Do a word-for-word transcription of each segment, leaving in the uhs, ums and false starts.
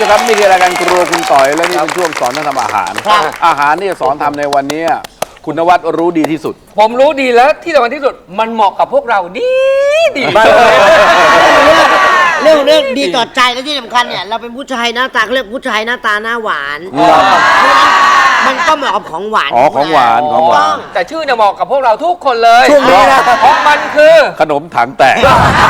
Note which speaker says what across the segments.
Speaker 1: ครับนี่คือรายการครัวคุณต่อยและนี่เป็นช่วงสอนทำอาหารอาหารที่จะสอนทำในวันนี้คุณนวัดรู้ดีที่สุด
Speaker 2: ผมรู้ดีแล้วที่สำคัญที่สุดมันเหมาะกับพวกเราดีดีมาก
Speaker 3: เรื่องเรื่องดีต่อใจและที่สำคัญเนี่ยเราเป็นผู้ชายหน้าตาเรียกผู้ชายหน้าตาหน้าหวานมันก็เหมาะกับของหวาน
Speaker 1: อ๋อของหวานของหวาน
Speaker 2: แต่ชื่อเนี่ยเหมาะกับพวกเราทุกคนเลยเพราะมันคือ
Speaker 1: ขนมถังแตก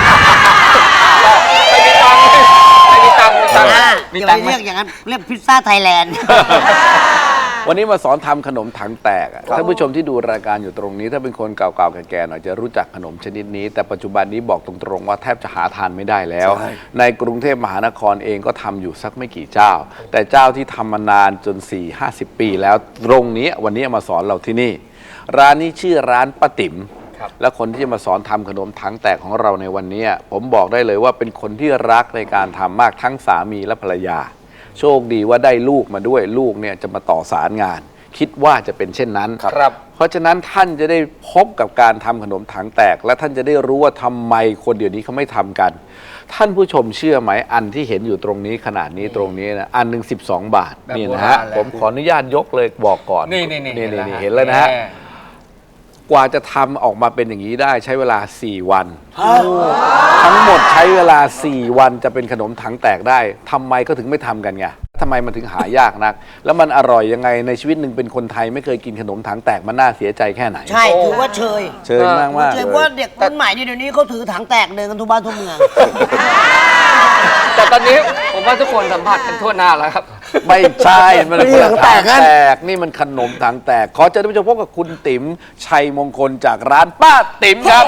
Speaker 2: ไม่มีตังค์ไม่มีตังค์มีตังค์
Speaker 3: มีตังค์เรียกอย่างนั้นเรียกพิซซ่าไทยแลนด์
Speaker 1: วันนี้มาสอนทำขนมถังแตกท่านผู้ชมที่ดูรายการอยู่ตรงนี้ถ้าเป็นคนเก่าๆแก่ๆหน่อยจะรู้จักขนมชนิดนี้แต่ปัจจุบันนี้บอกตรงๆว่าแทบจะหาทานไม่ได้แล้วในกรุงเทพมหานครเองก็ทำอยู่สักไม่กี่เจ้าแต่เจ้าที่ทำมานานจน สี่ห้าสิบ ปีแล้วตรงนี้วันนี้มาสอนเราที่นี่ร้านนี้ชื่อร้านป้าติ๋มและคนที่จะมาสอนทำขนมถังแตกของเราในวันนี้ผมบอกได้เลยว่าเป็นคนที่รักในการทำมากทั้งสามีและภรรยาโชคดีว่าได้ลูกมาด้วยลูกเนี่ยจะมาต่อสารงานคิดว่าจะเป็นเช่นนั้นครับเพราะฉะนั้นท่านจะได้พบกับการทำขนมถังแตกและท่านจะได้รู้ว่าทำไมคนเดี๋ยวนี้เขาไม่ทำกันท่านผู้ชมเชื่อไหมอันที่เห็นอยู่ตรงนี้ขนาดนี้ตรงนี้นะอันหนึ่งสิบสองบาทนี่นะฮะผมขออนุญาตยกเลยบอกก่อน
Speaker 2: นี่นี่นี่
Speaker 1: นี่เห็นแล้วนะฮะกว่าจะทำออกมาเป็นอย่างนี้ได้ใช้เวลาสี่วันทั้งหมดใช้เวลาสี่วันจะเป็นขนมถังแตกได้ทำไมก็ถึงไม่ทำกันไงทำไมมันถึงหายากนักแล้วมันอร่อยยังไงในชีวิตหนึ่งเป็นคนไทยไม่เคยกินขนมถังแตกมันน่าเสียใจแค่ไหน
Speaker 3: ใช่ถือว่าเชย
Speaker 1: เชยมากมาก
Speaker 3: เชยว่าเด็กรุ่นใหม่เดี๋ยวนี้เขาถือถังแตกเดินกันทุกบ้านทุกเมือง
Speaker 2: แต่ตอนนี้ผมว่าทุกคนสัมผัสกันทั่วหน้าแล้วครับ
Speaker 1: ไม่ใช่มันขนมถังแตกนี่มันขนมถังแตกขอเชิญท่านผู้ชมพบกับคุณติ๋มชัยมงคลจากร้านป้าติ๋มครับ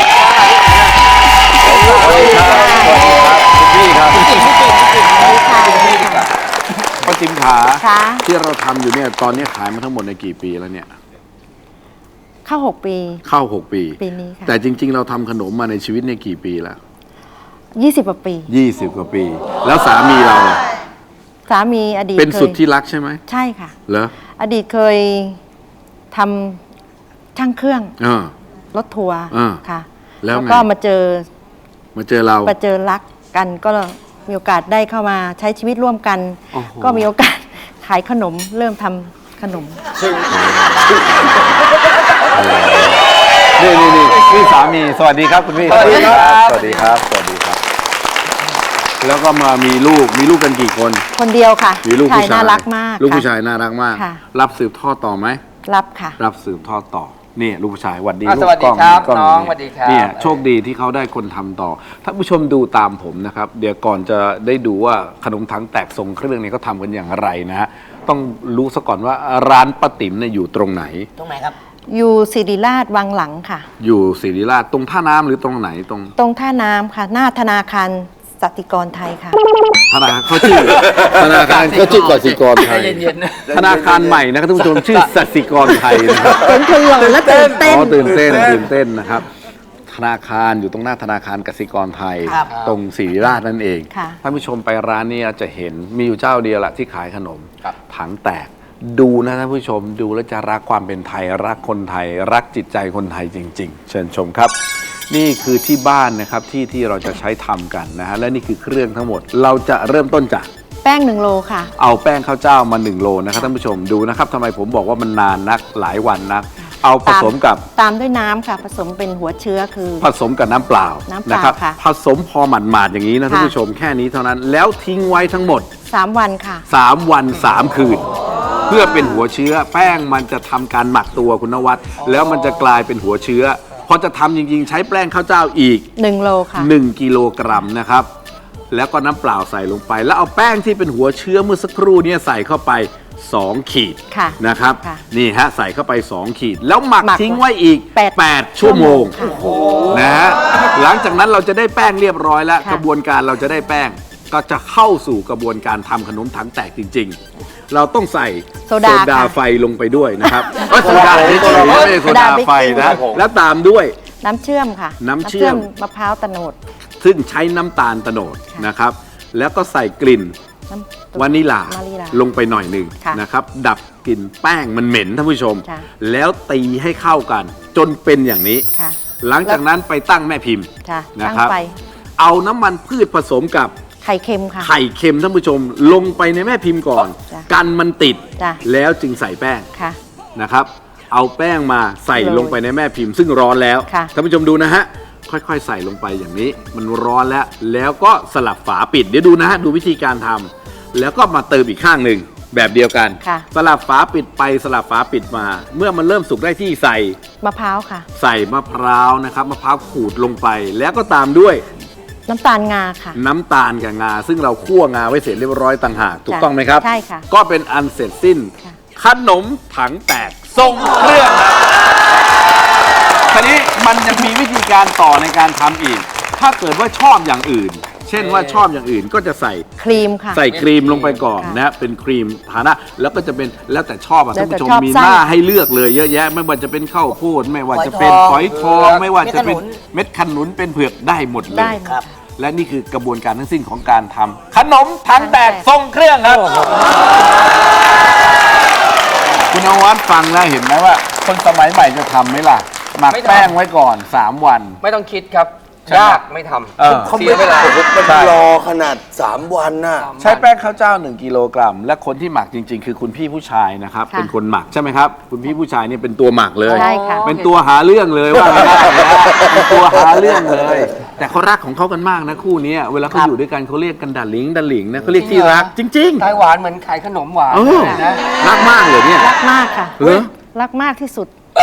Speaker 1: สวัสดีครับสวัสดีครับคุณพี่ครับคุณติ๋มคุณติ๋มคุณติ๋มป้าติ๋มขาที่เราทำอยู่เนี่ยตอนนี้ขายมาทั้งหมดในกี่ปีแล้วเนี่ย
Speaker 4: เข้าหกปี
Speaker 1: เข้าหกปี
Speaker 4: ปีนี้ค่ะ
Speaker 1: แต่จริงๆเราทำขนมมาในชีวิตเนี่ยกี่ปีแล้ว
Speaker 4: ยี่สิบกว่าปี
Speaker 1: ยี่สิบกว่าปีแล้วสามีเรา
Speaker 4: สามีอดีต
Speaker 1: เป็นสุดที่รักใช่ไหม
Speaker 4: ใช่ค่ะ
Speaker 1: เหรอ
Speaker 4: อดีตเคยทำช่างเครื่องรถทัวร์ค่ะแล้วก็มาเจอ
Speaker 1: มาเจอเรา
Speaker 4: มาเจอรักกันก็มีโอกาสได้เข้ามาใช้ชีวิตร่วมกันก็มีโอกาสขายขนมเริ่มทำขนม
Speaker 1: นี่นี่นี่พี่สามีสวัสดีครับคุณพี่สวัสดีครับสวัสดีครับสวัสดีครับแล้วก็มามีลูกมีลูกกันกี่คน
Speaker 4: คนเดียวค่ะ
Speaker 1: มีลูกผู้ชาย
Speaker 4: น่ารักมาก
Speaker 1: ลูกผู้ชายน่ารักมากรับสืบทอดต่อไหม
Speaker 4: รับค่ะ
Speaker 1: รับสืบทอดต่อนี่ลูกผู้ชายหวัดดี
Speaker 2: ลูกกล้องน้องสวัสดีครับ
Speaker 1: เนี่ยโชคดีที่เขาได้คนทำต่อท่านผู้ชมดูตามผมนะครับเดี๋ยวก่อนจะได้ดูว่าขนมถังแตกทรงเครื่องนี้เขาทำกันอย่างไรนะฮะต้องรู้ซะก่อนว่าร้านป้าติ๋มเนี่ยอยู่ตรงไหน
Speaker 3: ตรงไหนครับ
Speaker 4: อยู่ศิริราชวังหลังค่ะ
Speaker 1: อยู่ศิริราชตรงท่าน้ำหรือตรงไหนตรง
Speaker 4: ตรงท่าน้ำค่ะหน้าธนาคารสติกรไทยค่ะ
Speaker 1: ธนาคารเขาชื่อธนาคารเขาชื่อกสิกรไทยธนาคารใหม่นะครับท่านผู้ชมชื่อสติกรไทยนะครับ
Speaker 4: เป็นคนหล่อและตื่นเต้น
Speaker 1: อ๋อตื่นเต้นตื่นเต้นนะครับธนาคารอยู่ตรงหน้าธนาคารกสิกรไทยตรงศิริราชนั่นเองท่านผู้ชมไปร้านนี้จะเห็นมีอยู่เจ้าเดียวแหละที่ขายขนมถังแตกดูนะท่านผู้ชมดูแล้วจะรักความเป็นไทยรักคนไทยรักจิตใจคนไทยจริงๆเชิญชมครับนี่คือที่บ้านนะครับที่ที่เราจะใช้ทำกันนะฮะและนี่คือเครื่องทั้งหมดเราจะเริ่มต้นจาก
Speaker 4: แป้งหนึ่งโลค่ะ
Speaker 1: เอาแป้งข้าวเจ้ามาหนึ่งโลนะครับท่านผู้ชมดูนะครับทำไมผมบอกว่ามันนานนักหลายวันนักเอาผสมกับ
Speaker 4: ตามด้วยน้ำค่ะผสมเป็นหัวเชื้อคือ
Speaker 1: ผสมกับน้ำเปล่านะครับผสมพอหมาดๆอย่างนี้นะท่านผู้ชมแค่นี้เท่านั้นแล้วทิ้งไว้ทั้งหมด
Speaker 4: สามวันค่ะ
Speaker 1: สามวันสามคืนเพื่อเป็นหัวเชื้อแป้งมันจะทำการหมักตัวคุณนวัดแล้วมันจะกลายเป็นหัวเชื้อพอจะทำจริงๆใช้แป้งข้าวเจ้าอีก
Speaker 4: หนึ่งโลค่ะ
Speaker 1: หนึ่งกิโลกรัมนะครับแล้วก็น้ำเปล่าใส่ลงไปแล้วเอาแป้งที่เป็นหัวเชื้อเมื่อสักครู่นี้ใส่เข้าไปสองขีดนะครับนี่ฮะใส่เข้าไปสองขีดแล้วหมักทิ้งไว้อีกแปดชั่วโมงนะฮะหลังจากนั้นเราจะได้แป้งเรียบร้อยแล้วกระบวนการเราจะได้แป้งก็จะเข้าสู่กระบวนการทำขนมถังแตกจริงๆเราต้องใส่โซดาไฟลงไปด้วยนะครับโซดาไม่ใช่โซดาไฟนะแล้วตามด้วย
Speaker 4: น้ำเชื่อมค่ะ
Speaker 1: น้ำเชื่อม
Speaker 4: มะพร้าวตะโนด
Speaker 1: ซึ่งใช้น้ำตาลตะโนดนะครับแล้วก็ใส่กลิ่นวานิลาลงไปหน่อยหนึ่งนะครับดับกลิ่นแป้งมันเหม็นท่านผู้ชมแล้วตีให้เข้ากันจนเป็นอย่างนี้หลังจากนั้นไปตั้งแม่พิมพ์นะครับเอาน้ำมันพืชผสมกับ
Speaker 4: ไข่เค็มค่ะ
Speaker 1: ไข่เค็มท่านผู้ชมลงไปในแม่พิมพ์ก่อน
Speaker 4: จ้ะ
Speaker 1: กันมันติด
Speaker 4: จ้ะ
Speaker 1: แล้วจึงใส่แป้ง
Speaker 4: ค่ะ
Speaker 1: นะครับ เอาแป้งมาใส่
Speaker 4: โรย
Speaker 1: ลงไปในแม่พิมพ์ซึ่งร้อนแล้ว
Speaker 4: ค่ะ
Speaker 1: ท่านผู้ชมดูนะฮะค่อยๆ ใส่ลงไปอย่างนี้ มันร้อนแล้ว แล้วก็สลับฝาปิดเดี๋ยวดูนะฮะดูวิธีการทำแล้วก็มาเติมอีกข้างหนึ่งแบบเดียวกัน
Speaker 4: ค่ะ
Speaker 1: สลับฝาปิดไปสลับฝาปิดมา เมื่อมันเริ่มสุกได้ที่ใส่
Speaker 4: มะพร้าวค่ะ
Speaker 1: ใส่มะพร้าวนะครับมะพร้าวขูดลงไป แล้วก็ตามด้วย
Speaker 4: น้ำตาลงาค่ะ
Speaker 1: น้ำตาลกับงา ซึ่งเราคั่วงาไว้เสร็จเรียบร้อยต่างหากถูก
Speaker 4: จ้ะ
Speaker 1: ต้องไหมครับ
Speaker 4: ใช่ค่ะ
Speaker 1: ก็เป็นอันเสร็จสิ้น
Speaker 4: ค่ะ
Speaker 1: ขนมถังแตกทรงเครื่องครับทีนี้มันจะมีวิธีการต่อในการทำอีก ถ้าเกิดว่าชอบอย่างอื่น เช่นว่าชอบอย่างอื่นก็จะใส่
Speaker 4: ครีมค่ะ
Speaker 1: ใส่ครีมลงไปก่อน
Speaker 4: ค่ะ
Speaker 1: นะ เป็นครีมทาหน้าแล้วก็จะเป็นแล้วแต่ชอบอ่ะ
Speaker 4: แล้
Speaker 1: ท่า
Speaker 4: วน แต่
Speaker 1: ผู้ชม
Speaker 4: ชอบ
Speaker 1: มี
Speaker 4: ไส้
Speaker 1: หน้าให้เลือกเลยเยอะแยะ ไม่ว่าจะเป็นข้าวโพดไม่ว่าจะเป็นฝ
Speaker 3: ฝ
Speaker 1: อ
Speaker 3: อย ย
Speaker 1: ท
Speaker 3: ท
Speaker 1: อ
Speaker 3: อง ง
Speaker 1: ไม่ว่าจะเป็น
Speaker 3: เม็ดขนุน
Speaker 1: เม็ดขนุนเป็นเผือกได้หมดเลย
Speaker 4: ได้หมด
Speaker 3: ครับ
Speaker 1: และนี่คือกระบวนการทั้งสิ้นของการทำขนมถังแตกทรงเครื่องครับ คุณนวัดฟังแล้วเห็นไหมว่า คนสมัยใหม่จะทำไหมล่ะ หมัก
Speaker 2: ไม่ทำ
Speaker 1: แป้งไว้ก่อน สาม วัน
Speaker 2: ไม่ต้องคิดครับ
Speaker 1: ใช่ไหม
Speaker 2: ยากไม่ทำ
Speaker 1: เออ
Speaker 2: เสียเวลา
Speaker 5: มัน
Speaker 1: ใช่
Speaker 5: รอขนาด สาม วันน่ะ
Speaker 1: ใช้แป้งข้าวเจ้า หนึ่ง กิโลกรัม และคนที่หมักจริง ๆ คือคุณพี่ผู้ชายนะครับ
Speaker 4: ค่ะ
Speaker 1: เป็นคนหมักใช่ไหมครับ คุณพี่ผู้ชายนี่เป็นตัวหมักเลย
Speaker 4: ใช่ค่ะ
Speaker 1: เป็นตัวหาเรื่องเลยว่าไม่ได้นะเป็นตัวหาเรื่องเลย แต่เขารักของเขากันมากนะคู่นี้เวลาเขาอยู่ด้วยกันเขาเรียกกันดัลลิงดัลลิงนะเขาเรียกที่รักจริง
Speaker 2: ไต้หวานเหมือนขายขนมหวาน
Speaker 1: ๆเออ
Speaker 2: นะ
Speaker 1: รักมากเลยเนี่ย
Speaker 4: รักมากค่ะ
Speaker 1: เหรอ
Speaker 4: รักมากที่สุด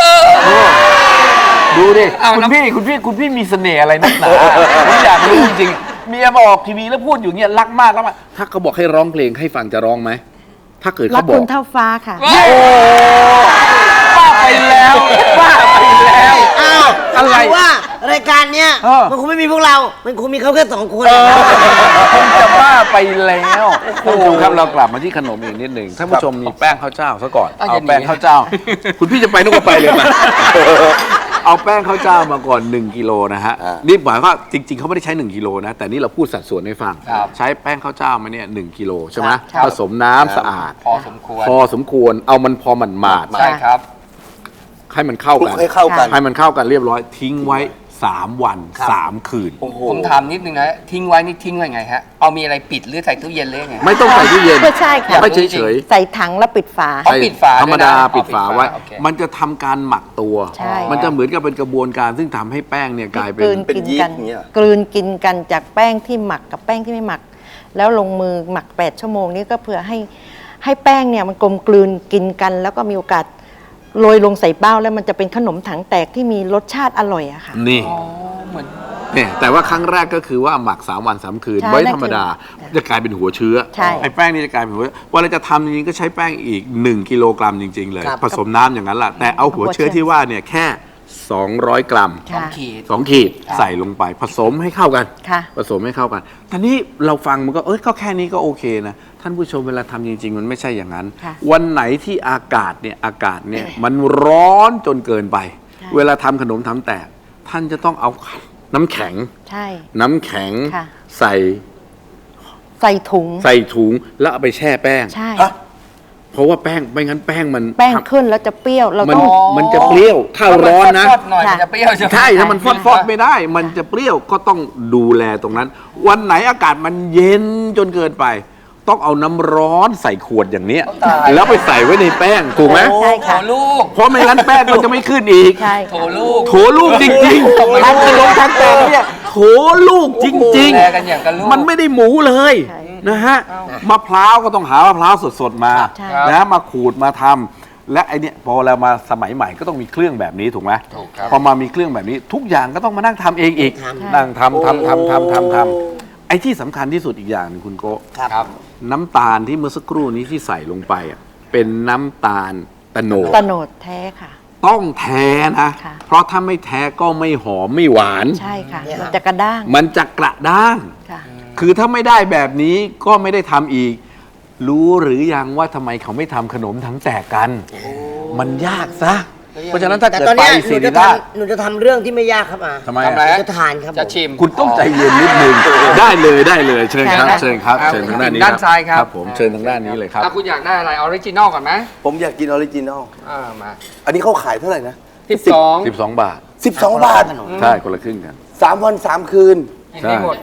Speaker 1: ดูดิ
Speaker 2: เอา
Speaker 1: คุณ
Speaker 2: น้ำ
Speaker 1: พี่คุณพี่คุณพี่มีเสน่ห์อะไรนักหนาผมอยากรู้จริงๆเมียมาออกทีวีแล้วพูดอยู่เงี้ยรักมากรักมากถ้าเขาบอกให้ร้องเพลงให้ฟังจะร้องไหมถ้าเกิด
Speaker 4: รั
Speaker 1: เขา
Speaker 4: ก
Speaker 1: บอ
Speaker 4: คุ
Speaker 1: ก
Speaker 4: ณเท่าฟ้าค่ะ
Speaker 1: โอ้บ้าไปแล้วบ้าไปแล้ว
Speaker 3: อ้าว
Speaker 1: อะไร
Speaker 3: คืว่ารายการเนี้ย
Speaker 1: เออ
Speaker 3: มันคงไม่มีพวกเรา มันคงมีเขาแค่สองคน
Speaker 1: เออ
Speaker 3: นะครับ
Speaker 1: คงจะบ้าไปแล้วท่านผู้ชมครับเรากลับมาที่ขนมอีกนิดหนึ่งท่านผู้ชมมีแป้งข้าวเจ้าซะก่อน
Speaker 2: อ่ะ
Speaker 1: เอา
Speaker 2: อย่าหนี
Speaker 1: แป้งข้าวเจ้า คุณพี่จะไปนู่นก็ไปเลยมาเอาแป้งข้าวเจ้ามาก่อนหนึ่งกิโลนะฮะ
Speaker 5: อ่า
Speaker 1: นี่หมายว่าจริง ๆเขาไม่ได้ใช้หนึ่งกิโลนะแต่นี่เราพูดสัดส่วนให้ฟัง
Speaker 2: ครับ
Speaker 1: ใช้แป้งข้าวเจ้ามาเนี่ยหนึ่งกิโลใช่ไหม
Speaker 2: ครับ
Speaker 1: ผสมน้ำสะอาด
Speaker 2: พอสมควร
Speaker 1: พอสมควรเอามันพอมันหมาด
Speaker 2: ใช่ครับ
Speaker 1: ให้มันเข้า
Speaker 5: คลุก
Speaker 1: กัน
Speaker 5: ให้เข้ากัน
Speaker 1: ให้มันเข้ากันเรียบร้อยทิ้งไว้สามวันสามคืน
Speaker 5: โอ้โห
Speaker 2: ผมถามนิดนึงนะ ทิ้งไว้นี่ทิ้งไว้ไงฮะ เอามีอะไรปิดหรือใส่ตู้เย็นหรือไง
Speaker 1: ไม่ต้องใส่ตู้เย็น
Speaker 4: ไม่ใช่ค่ะ
Speaker 1: ไม่เฉย
Speaker 4: ใส่ถังแล้วปิดฝา
Speaker 2: อ๋อปิดฝา
Speaker 1: ธรรมดา
Speaker 2: ด้วยนะ
Speaker 1: ปิดฝาไว้
Speaker 2: อ๋อปิดฝาโอเค
Speaker 1: มันจะทำการหมักตัว
Speaker 4: ใช่
Speaker 1: มันจะเหมือนกับเป็นกระบวนการซึ่งทำให้แป้งเนี่ยกลายเป็
Speaker 4: กลื
Speaker 1: น
Speaker 4: น
Speaker 5: เป็น
Speaker 4: กิน
Speaker 5: ยีสต์
Speaker 4: กัน
Speaker 5: อย่างเงี้ย
Speaker 4: กลืนกินกันจากแป้งที่หมักกับแป้งที่ไม่หมัก แล้วลงมือหมักแปดชั่วโมงนี้ก็เพื่อให้ให้แป้งเนี่ยมันกลมกลืนกินกัน แล้วก็มีโอกาสโรยลงใส่เบ้าแล้วมันจะเป็นขนมถังแตกที่มีรสชาติอร่อยอะค่ะ
Speaker 1: นี่
Speaker 2: อ๋อเหมือน
Speaker 1: เนี่ยแต่ว่าครั้งแรกก็คือว่าหมักสามวันสามคืน
Speaker 4: ใช่
Speaker 1: ไว้
Speaker 4: นั่น
Speaker 1: ธรรมดา
Speaker 4: คือ
Speaker 1: จะกลายเป็นหัวเชื้อ
Speaker 4: ใช่
Speaker 1: ไอ้แป้งนี่จะกลายเป็นหัววันเราจะทำจริงๆก็ใช้แป้งอีกหนึ่งกิโลกรัมจริง ๆ เลย
Speaker 3: ครับ
Speaker 1: ผสมน้ำอย่างนั้นแหละแต่เอาหัวเชื้อที่ว่าเนี่ยแค่สองร้อยกรัม
Speaker 2: สอง
Speaker 4: ค่ะ
Speaker 2: ขีด
Speaker 1: สองขีดใส่ลงไปผสมให้เข้ากัน
Speaker 4: ค่ะ
Speaker 1: ผสมให้เข้ากันทีนี้เราฟังมันก็เอ้ยก็แค่นี้ก็โอเคนะท่านผู้ชมเวลาทำจริง ๆ มันไม่ใช่อย่างนั้น
Speaker 4: ค่ะ
Speaker 1: วันไหนที่อากาศเนี่ยอากาศเนี่ยมันร้อนจนเกินไป
Speaker 4: ค่ะ
Speaker 1: เวลาทำขนมทำแตกท่านจะต้องเอาน้ำแข็ง
Speaker 4: ใช่
Speaker 1: น้ำแข็ง
Speaker 4: ค่ะ
Speaker 1: ใส่
Speaker 4: ใส่ถุง
Speaker 1: ใส่ถุงแล้วเอาไปแช่แป้ง
Speaker 4: ใช่
Speaker 5: ฮะ
Speaker 1: เพราะว่าแป้งไม่งั้นแป้งมัน
Speaker 4: แป้งขึ้นแล้วจะเปรี้ยวเรา
Speaker 1: มัน
Speaker 4: ต้อง
Speaker 1: มันจะเปรี้ยวถ้าร้อนนะ
Speaker 2: ฟดๆหน่อยมันจะเปรี้ยวใช่ไหม
Speaker 1: ใช่ถ้ามันฟอดฟอดๆไม่ได้ มันจะเปรี้ยวก็ต้องดูแลตรงนั้น วันไหนอากาศมันเย็นจนเกินไป ต้องเอาน้ำร้อนใส่ขวดอย่างเนี้ย
Speaker 2: ตาย
Speaker 1: แล้วไปใส่ไว้ในแป้งถูกไหม
Speaker 4: ใช่
Speaker 2: โถ
Speaker 4: ค่ะ
Speaker 2: ลูก
Speaker 1: เพราะไม่งั้นแป้งมันจะไม่ขึ้นอีก
Speaker 4: ใช่
Speaker 2: โถ
Speaker 4: ค่ะ
Speaker 2: ลูก
Speaker 1: โถลูกจริงๆทำขนมทำแตงเนี่ยโถลูกจริง
Speaker 2: ดูแลกันอย่างกับลูก
Speaker 1: ๆ มันไม่ได้หมูเลย
Speaker 4: ใช่
Speaker 1: นะฮะมะพร้าวก็ต้องหามะพร้าวสดๆมา
Speaker 4: ใช่
Speaker 1: นะมาขูดมาทำและไอเนี่ยพอเรามาสมัยใหม่ก็ต้องมีเครื่องแบบนี้ถูกไหม
Speaker 2: ถูกครับ
Speaker 1: พอมามีเครื่องแบบนี้ทุกอย่างก็ต้องมานั่งทำเองอีก
Speaker 3: ทำ
Speaker 1: นั่งทำทำทำทำทำทำไอ้ที่สำคัญที่สุดอีกอย่างหนึงคุณโกะ
Speaker 3: ครับ
Speaker 2: ครับ
Speaker 1: น้ำตาลที่เมื่อสักครู่นี้ที่ใส่ลงไปอ่ะเป็นน้ำตาลตะโนด
Speaker 4: ตะโนดแท้ค่ะ
Speaker 1: ต้องแท้นะ
Speaker 4: ค่ะ
Speaker 1: เพราะถ้าไม่แท้ก็ไม่หอมไม่หวาน
Speaker 4: ใช่ค่ะ
Speaker 3: เนี่ย
Speaker 4: มันจะกระด้าง
Speaker 1: มันจะกระด้าง
Speaker 4: ค่ะ
Speaker 1: คือถ้าไม่ได้แบบนี้ก็ไม่ได้ทำอีก รู้หรือยังว่าทำไมเขาไม่ทำขนมทั้งแตกกัน มันยากซะ เพราะฉะนั้นถ้า
Speaker 3: แต่
Speaker 1: เกิด
Speaker 3: ตอน
Speaker 1: ไป
Speaker 3: เนี้ยห
Speaker 1: ศิ
Speaker 3: นู
Speaker 1: ริ
Speaker 3: จะ
Speaker 1: ราช
Speaker 3: ทำหนูจะทำเรื่องที่ไม่ยากครับอ่ะ
Speaker 1: ทำไม
Speaker 2: ทำอะไร
Speaker 1: อะ
Speaker 3: จะทานครับผม
Speaker 2: จะชิม
Speaker 1: คุณต้องใจเย็นนิดนึงได้เลยได้เลยเชิญครับ
Speaker 4: ค่ะ
Speaker 1: เชิญครับ
Speaker 2: ครับ
Speaker 1: เชิญทางด้านนี้
Speaker 2: ด้านซ้ายครับ
Speaker 1: ผมเชิญทางด้านนี้เลยครับ
Speaker 2: อ่ะคุณอยากได้อะไรออริจินอลก่อนไหม
Speaker 5: ผมอยากกินออริจินอล
Speaker 2: อ่ามา
Speaker 5: อันนี้เขาขายเท่าไหร่นะ
Speaker 2: สิบสอง
Speaker 1: สิบสองบาท
Speaker 5: สิบสอง บาท
Speaker 1: ใช่คนละครึ่งกัน
Speaker 5: สามวันสามคืน
Speaker 2: กินได้หมด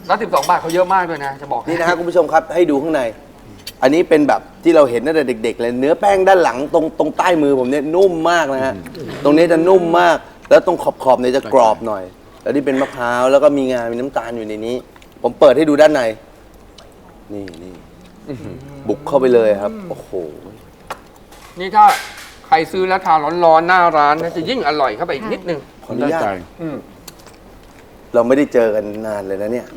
Speaker 2: แล้วสิบสองบาทเขาเยอะมากด้วยนะจะบอกให้
Speaker 5: นี่นะฮะคุณผู้ชมครับให้ดูข้างใน อันนี้เป็นแบบที่เราเห็นตั้งแต่เด็กๆเลยเนื้อแป้งด้านหลังตรงตรงใต้มือผมเนี่ยนุ่มมากนะฮะตรงนี้จะนุ่มมาก แล้วตรงขอบๆเนี่ยจะกรอบหน่อย แล้วนี่เป็นมะพร้าวแล้วก็มีงามีน้ำตาลอยู่ในนี้ ผมเปิดให้ดูด้านในนี่นี่บุกเข้าไปเลยครับโอ้โห
Speaker 2: นี่ถ้าใครซื้อแล้วทานร้อนๆหน้าร้านนะจะยิ่งอร่อยเข้าไปอีกนิดนึง
Speaker 5: ขออนุญาต
Speaker 1: ได้ใจ
Speaker 5: เราไม่ได้เจอกันนานเลยนะเนี่ย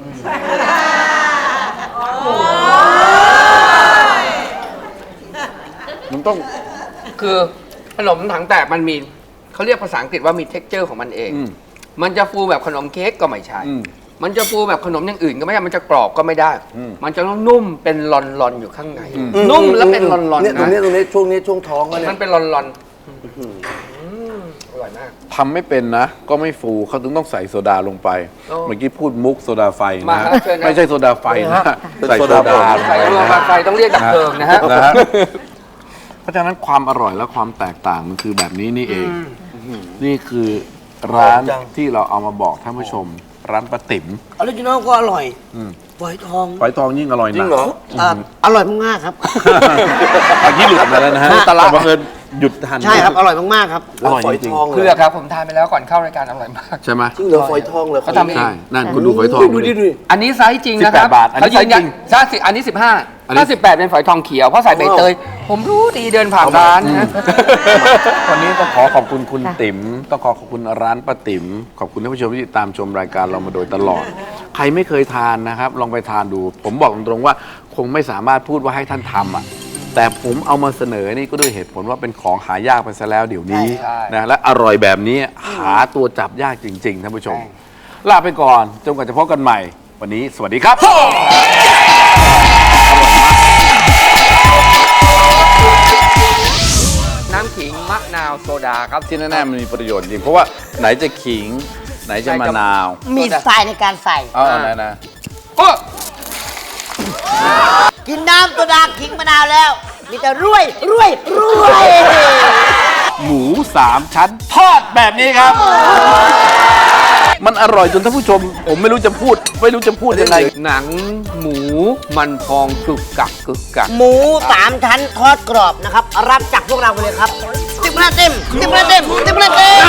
Speaker 1: มันต้อง
Speaker 2: คือขนมถังแตกมันมีเขาเรียกภาษาอังกฤษว่ามี เท็กเจอร์ ของมันเอง
Speaker 1: อืม
Speaker 2: มันจะฟูแบบขนมเค้กก็ไม่ใช่
Speaker 1: อืม
Speaker 2: มันจะฟูแบบขนมอย่างอื่นก็ไม่ใช่ มันจะกรอบก็ไม่ได้
Speaker 1: อืม
Speaker 2: มันจะต้องนุ่มเป็นลอนๆอยู่ข้างใน นุ่มแล้วเป็นลอนๆ
Speaker 5: เนี่ยตรง
Speaker 2: นะ
Speaker 5: นี้ตรงนี้ช่วงนี้ช่วงท้องก็เนี่
Speaker 2: มัน
Speaker 5: ย
Speaker 2: เป็นลอนๆอืมอร่อยมาก
Speaker 1: ทำไม่เป็นนะ ก็ไม่ฟูเขาถึงต้องใส่โซดาลงไป
Speaker 2: โอ้
Speaker 1: เมื่อกี้พูดมุกโซดาไฟ
Speaker 2: มา
Speaker 1: นะครับ
Speaker 2: เชิญนะ
Speaker 1: ไม่ใช่โซดาไฟนะ
Speaker 5: เป็น
Speaker 1: ใส่
Speaker 5: โซ
Speaker 1: โซ
Speaker 5: ดา
Speaker 1: ดาลง
Speaker 2: ใส่
Speaker 1: ไป
Speaker 2: รวม
Speaker 1: นะ
Speaker 2: ไฟต้องเรียกดับเพลิงนะฮะ
Speaker 1: นะฮะเพราะฉะนั้นความอร่อยและความแตกต่างมันคือแบบนี้นี่เอง นี่คือร้านที่เราเอามาบอกท่านผู้ชม ร้านป้าติ๋ม
Speaker 3: ออริจินอลก็อร่อย
Speaker 1: อืม
Speaker 3: ฝอยทอง
Speaker 1: ฝอยทองยิ่งอร่อย
Speaker 5: จริ
Speaker 1: นะ
Speaker 5: งเหรอ
Speaker 3: อ่ะอร่อยมากๆครับ
Speaker 1: เมื่อกี้หลุดมาแล้วนะฮะ
Speaker 3: ฮะ
Speaker 1: แต่บังเอิญหยุดทัน
Speaker 3: ใช่ครับอร่อยมากๆครับ
Speaker 1: อร่อยจริง
Speaker 5: ฝทอง
Speaker 2: เพื่อกครับผมทานไปแล้วก่อนเข้ารายการอร่อยมาก
Speaker 1: ๆใช่ไหม
Speaker 5: จริงเหรอฝอยทองเหรอ
Speaker 2: เขาทำเอง
Speaker 1: ใช่นั่นคุณดูฝอยทอง
Speaker 5: ดูดิดูดิ
Speaker 2: อันนี้ไซส์จริงนะครับ
Speaker 1: สิบแปดบาทอันนี้
Speaker 2: เขายืนยัน
Speaker 1: ไซส์จริง
Speaker 2: ใช่สิอันนี้สิบห้า
Speaker 1: อันนี้
Speaker 2: ถ้าสิบแปดเป็นฝอยทองเขียวเพราะใส่ใบเตย ผมรู้ดีเดินผ่านร้านนะ
Speaker 1: วันนี้ต้องขอขอบคุณคุณติ๋มต้องขอขอบคุณร้านป้าติ๋มขอบคุณท่านผู้ชมที่ติดตามชมรายการเรามาโดยตลอด ใครไม่เคยทานนะครับ ลองไปทานดู ผมบอกตรงๆว่าคงไม่สามารถพูดว่าให้ท่านทำอ่ะแต่ผมเอามาเสนอนี่ก็ด้วยเหตุผลว่าเป็นของหายากไปซะแล้วเดี๋ยวนี้
Speaker 2: ใช่
Speaker 1: นะและอร่อยแบบนี้หาตัวจับยากจริง ๆท่านผู้ชม ลาไปก่อนจนกว่าจะพบกันใหม่ วันนี้สวัสดีครับ
Speaker 2: น้ำขิงมะนาวโซดาครับ
Speaker 1: ที่แน่ๆมันมีประโยชน์จริงเพราะว่าไหนจะขิง ไหนจะมะนาว
Speaker 3: มีสไตล์ในการใส่
Speaker 1: เอ๋อไหนนะ
Speaker 2: โอ้
Speaker 3: กินน้ำตัวดาขิงมะนาวแล้ว มีแต่รวยรวยรวย
Speaker 1: หมูสามชั้นทอดแบบนี้ครับ มันอร่อยจนท่านผู้ชม ผมไม่รู้จะพูด ไม่รู้จะพูดยังไง
Speaker 2: หนังหมูมันพองกึกกักกึกกัก
Speaker 3: หมูสามชั้นทอดกรอบนะครับ รับจากพวกเราไปเลยครับสิบคะแนนเต็มสิบคะแนนเต็มสิบคะแนนเต็ม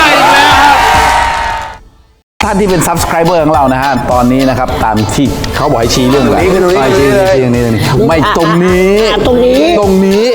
Speaker 1: ท่านที่เป็น subscriber ของเรานะฮะ ตอนนี้นะครับ ตามที่เขาบอกให้ชี้เรื่องอะไร
Speaker 5: ตรงนี้คือตรงนี้
Speaker 1: ชี้ชี้ชี้ตรงนี้ตรงนี้ไม่ตรงนี้
Speaker 3: อ่ะตรงนี้
Speaker 1: ตรงนี้